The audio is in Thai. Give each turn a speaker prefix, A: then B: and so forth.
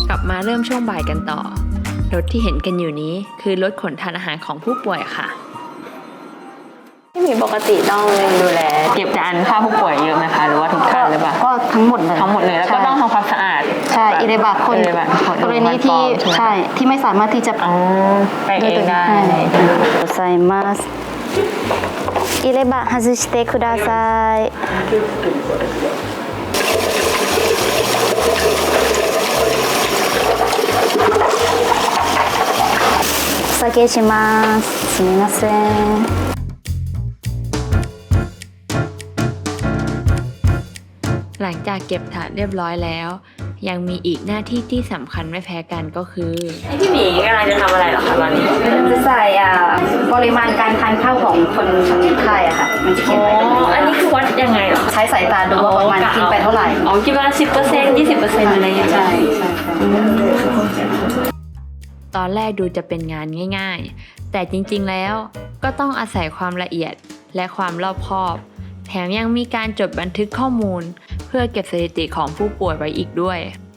A: กลับมาเริ่มช่วงบ่ายกันต่อรถที่เห็นกันอยู่นี้คือรถขนทานอาหารของผู้ป่วยค่ะที่มีปกติต้องดูแลเก็บจานค่าผู้ป่วยเยอะไหมคะหรือว่าทุกท่านหรือเปล่า
B: ก็ทั้งหมดเลย
A: แล้วก็ต้องทำความสะอาด
B: ใช่อิเดบะคนกรณีที่ใช่ที่ไม่สามารถที่จะ
A: ไปเองได้
B: ใส่มาสอิเดบะ外してくださいお酒しますすみません
A: หลังจากเก็บถาดเรียบร้อยแล้วยังมีอีกหน้าที่ที่สำคัญไม่แพ้กันก็คือพี่หมีกำลังจะทำอะไรหรอคะตอนนี้
B: จะใส่ปริมาณการทานข้าวของคนไข้อะค่ะมันจะเขียนไว้
A: อันนี้คือวัดยังไงหรอ
B: ใช้สายตาดูว่าประมาณกินไปเท่าไหร่
A: กินประมาณ10% 20%อะไรอย่างเงี้ย
B: ใช่
A: ตอนแรกดูจะเป็นงานง่ายๆแต่จริงๆแล้วก็ต้องอาศัยความละเอียดและความรอบคอบแถมยังมีการจดบันทึกข้อมูลเพื่อเก็บสถิติของผู้ป่วยไว้อีกด้วย